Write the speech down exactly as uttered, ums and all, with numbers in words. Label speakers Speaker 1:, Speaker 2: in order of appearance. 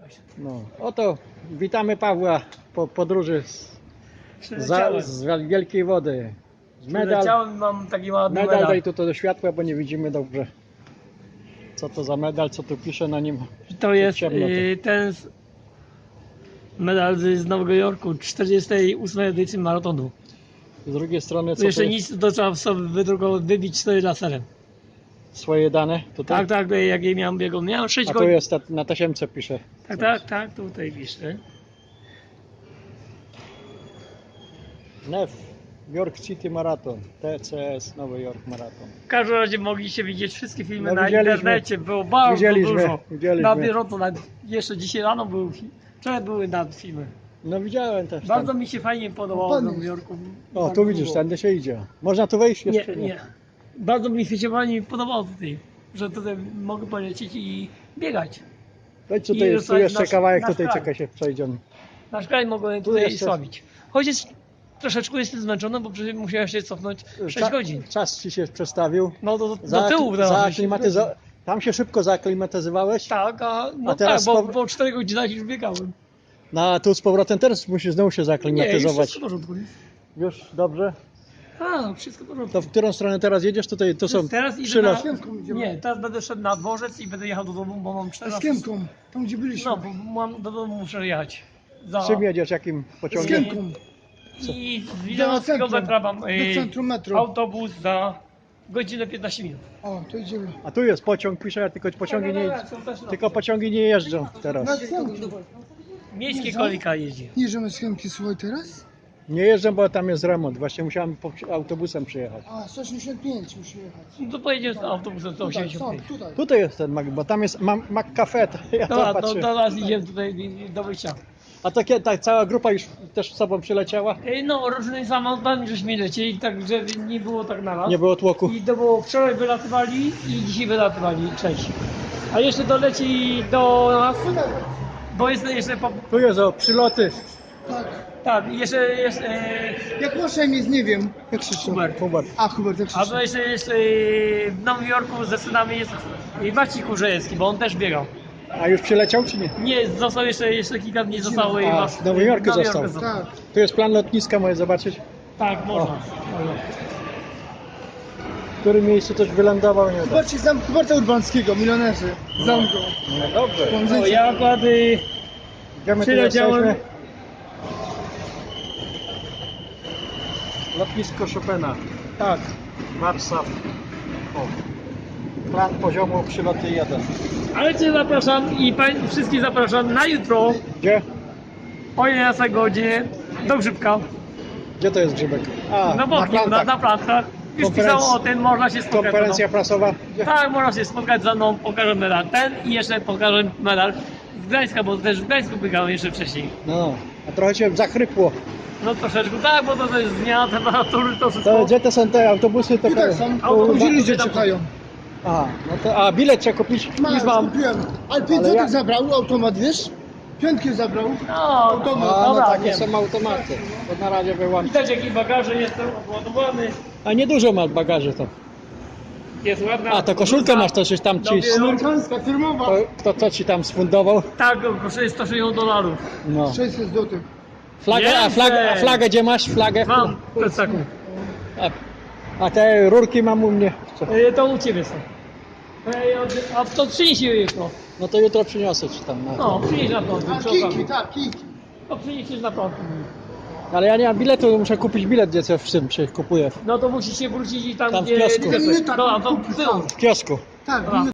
Speaker 1: No, oto witamy Pawła po podróży z, za,
Speaker 2: Przyleciałem.
Speaker 1: z Wielkiej Wody. Medal,
Speaker 2: Przyleciałem, mam taki ładny
Speaker 1: medal
Speaker 2: medal.
Speaker 1: daj tu to do światła, bo nie widzimy dobrze. Co to za medal, co tu pisze na nim?
Speaker 2: To jest
Speaker 1: ciemno to.
Speaker 2: y, ten z- medal z z Nowego Jorku, czterdziestej ósmej edycji maratonu.
Speaker 1: Z drugiej strony
Speaker 2: Tu
Speaker 1: co to
Speaker 2: jeszcze
Speaker 1: jest?
Speaker 2: nic, to trzeba sobie wydrukować, wybić sobie laserem.
Speaker 1: Swoje dane tutaj?
Speaker 2: Tak, tak, jak jej miałem biegu. Miałem sześć
Speaker 1: A tu
Speaker 2: godzin.
Speaker 1: jest ta, na tasiemce pisze.
Speaker 2: Tak, tak, tak, tutaj piszę.
Speaker 1: N E F York City Marathon, T C S Nowy Jork Marathon.
Speaker 2: W każdym razie mogliście widzieć wszystkie filmy
Speaker 1: No,
Speaker 2: na
Speaker 1: widzieliśmy.
Speaker 2: internecie, było bardzo
Speaker 1: Widzieliśmy,
Speaker 2: dużo.
Speaker 1: widzieliśmy.
Speaker 2: Na bieżąco, nawet jeszcze dzisiaj rano były, fi- wczoraj były nad filmy.
Speaker 1: No widziałem też.
Speaker 2: Bardzo
Speaker 1: Tam.
Speaker 2: mi się fajnie podobało w Nowym Jorku.
Speaker 1: O,
Speaker 2: Bardzo
Speaker 1: tu widzisz,
Speaker 2: było.
Speaker 1: tędy się idzie. Można tu wejść
Speaker 2: Nie,
Speaker 1: jeszcze?
Speaker 2: nie. Bardzo mi się fajnie podobało tutaj, że tutaj mogę polecieć i biegać.
Speaker 1: Wejdź
Speaker 2: I
Speaker 1: tutaj, tu
Speaker 2: zostać
Speaker 1: jeszcze
Speaker 2: nasz-
Speaker 1: kawałek,
Speaker 2: nasz
Speaker 1: tutaj
Speaker 2: kraj.
Speaker 1: czekaj się przejdziemy.
Speaker 2: Nasz kraj mogłem
Speaker 1: Tu
Speaker 2: tutaj
Speaker 1: jeszcze-
Speaker 2: sławić. Chociaż troszeczkę jestem zmęczony, bo przecież musiałem się cofnąć sześć
Speaker 1: Cza-
Speaker 2: godzin.
Speaker 1: Czas ci się przestawił.
Speaker 2: No do, do
Speaker 1: Za-
Speaker 2: tyłu teraz.
Speaker 1: zaaklimatyzo- Tam się szybko zaaklimatyzowałeś?
Speaker 2: Tak, a, no
Speaker 1: A teraz
Speaker 2: tak, bo
Speaker 1: po-
Speaker 2: po czterech godzinach już biegałem.
Speaker 1: No a tu z powrotem teraz musisz znowu się
Speaker 2: Nie, już
Speaker 1: zaaklimatyzować.
Speaker 2: wszystko w porządku.
Speaker 1: Już dobrze?
Speaker 2: A, wszystko w porządku.
Speaker 1: To w którą stronę teraz jedziesz? Tutaj to są
Speaker 2: Teraz idę
Speaker 1: przylos.
Speaker 2: na... Nie, teraz będę szedł na dworzec i będę jechał do domu, bo mam
Speaker 3: Z
Speaker 2: czternaście...
Speaker 3: Kiemką, tam gdzie byliśmy.
Speaker 2: No, bo mam, do domu muszę jechać. Za...
Speaker 1: Czym jedziesz? Jakim
Speaker 3: Z
Speaker 1: pociągiem?
Speaker 3: Kiemką,
Speaker 2: I z
Speaker 3: do
Speaker 2: Wilanowskiego
Speaker 3: centrum,
Speaker 2: metra mam
Speaker 3: do
Speaker 2: y,
Speaker 3: centrum metro.
Speaker 2: autobus za godzinę piętnaście minut.
Speaker 3: O, to idziemy.
Speaker 1: A tu jest pociąg, pisze, tylko pociągi nie,
Speaker 2: Są też na-
Speaker 1: tylko pociągi nie jeżdżą teraz.
Speaker 3: Na centrum.
Speaker 2: Miejskie kolika jeździ.
Speaker 3: Jedziemy z Kiemki, słuchaj teraz?
Speaker 1: Nie jeżdżą, bo tam jest remont. Właśnie musiałem po- autobusem przyjechać.
Speaker 3: A, sto osiemdziesiąt pięć musimy jechać.
Speaker 2: No to pojedziemy z autobusem sto
Speaker 3: Tutaj,
Speaker 2: osiemdziesiąt
Speaker 3: stąd,
Speaker 2: pięć.
Speaker 3: tutaj.
Speaker 1: Tutaj jest ten Mac, bo tam jest Mac Mac Cafe. to Ja
Speaker 2: Dobra,
Speaker 1: tam
Speaker 2: to
Speaker 1: patrzę.
Speaker 2: teraz idziemy tutaj do wyjścia.
Speaker 1: A to kiedy, tak, cała grupa już też z sobą przyleciała?
Speaker 2: Ej, No, różnymi samochodami żeśmy lecieli, także nie było tak na raz.
Speaker 1: Nie było tłoku.
Speaker 2: I to było wczoraj wylatywali i dzisiaj wylatywali, cześć. A jeszcze doleci do nas, bo jest jeszcze po...
Speaker 1: Tu jest o przyloty.
Speaker 3: Tak.
Speaker 2: Tak, jeszcze jest... E,
Speaker 3: Jak masz na imię, nie wiem. Jak krzyczą?
Speaker 2: Hubert.
Speaker 1: Hubert.
Speaker 3: A, Hubert, jak
Speaker 2: A
Speaker 3: krzyczą?
Speaker 2: to jeszcze jest e, w Nowym Jorku ze synami jest e, Maciej Kurzejewski, bo on też biegał.
Speaker 1: A już przyleciał czy nie?
Speaker 2: Nie, został jeszcze, jeszcze kilka dni zostało i
Speaker 1: A,
Speaker 2: masz...
Speaker 1: w Nowym Jorku został.
Speaker 3: Tak.
Speaker 1: Tu jest plan lotniska, możesz zobaczyć.
Speaker 2: Tak, można. można.
Speaker 1: W którym miejscu też wylądował, nie wiem.
Speaker 3: Zobaczcie zamk Huberta Urbańskiego, milionerzy. Zamku.
Speaker 1: No dobrze.
Speaker 2: O, ja akurat... y,
Speaker 1: Gdzie my tu
Speaker 2: Przyleciałem.
Speaker 1: jesteśmy? Lotnisko Chopina.
Speaker 2: Tak.
Speaker 1: Warszaw. O. Plan poziomu przyloty jeden.
Speaker 2: Ale Cię zapraszam i pań, wszystkich zapraszam na jutro
Speaker 1: Gdzie?
Speaker 2: o jedenastej godzinie do Grzybka.
Speaker 1: Gdzie to jest Grzybek? A,
Speaker 2: Na boku, na,
Speaker 1: plantach.
Speaker 2: na plantach. Już
Speaker 1: Konferenc-
Speaker 2: pisało o tym, można się spotkać.
Speaker 1: Konferencja
Speaker 2: ze
Speaker 1: prasowa.
Speaker 2: mną. Tak, można się spotkać ze mną, pokażę medal ten i jeszcze pokażę medal z Gdańska, bo też w Gdańsku biegałem jeszcze wcześniej.
Speaker 1: No, a trochę cię zachrypło.
Speaker 2: No troszeczkę tak, bo to, to jest zmiana temperatury, to wszystko.
Speaker 1: To gdzie to są te autobusy? To
Speaker 3: Tutaj są,
Speaker 2: Autobusy
Speaker 3: gdzie ludzie
Speaker 2: tam-
Speaker 3: czekają.
Speaker 1: A, no to, a bilet trzeba kupić?
Speaker 3: Masz,
Speaker 2: Już mam.
Speaker 3: kupiłem. Ale pięć
Speaker 1: Ale
Speaker 3: złotych
Speaker 1: ja-
Speaker 3: zabrał, automat, wiesz? Piątkę zabrał.
Speaker 2: No,
Speaker 3: Autobus.
Speaker 2: no,
Speaker 1: A, no
Speaker 2: dobra,
Speaker 1: takie
Speaker 2: wiem.
Speaker 1: są automaty. To na razie wyłącz.
Speaker 2: Widać jaki bagaże jestem obładowany.
Speaker 1: A niedużo masz bagaży to.
Speaker 2: Jest ładna.
Speaker 1: A, to koszulkę masz, to coś tam ci...
Speaker 2: Dobry.
Speaker 3: Amerykańska, firmowa.
Speaker 1: To, kto co ci tam sfundował?
Speaker 2: Tak, kosztuje sto sześćdziesiąt dolarów.
Speaker 1: No.
Speaker 3: sześćset złotych.
Speaker 1: Flagę, a flagę, a flagę gdzie masz? Flagę?
Speaker 2: Mam, to jest taką.
Speaker 1: A, a te rurki mam u mnie. Co?
Speaker 2: E, To u Ciebie są. Ej, od- A to przynieś je jutro.
Speaker 1: No to jutro przyniosę ci tam. Na
Speaker 2: No, przynieś na prąd.
Speaker 3: A kijki, tak, kijki.
Speaker 2: To przynieś na prąd.
Speaker 1: Ale ja nie mam biletu, muszę kupić bilet, gdzie co w czym się kupuje.
Speaker 2: No to musisz się wrócić i tam,
Speaker 1: Tam w
Speaker 2: gdzie...
Speaker 1: kiosku.
Speaker 2: Dobra, to w tył.
Speaker 1: W kiosku.
Speaker 3: Tak,
Speaker 2: Dobra.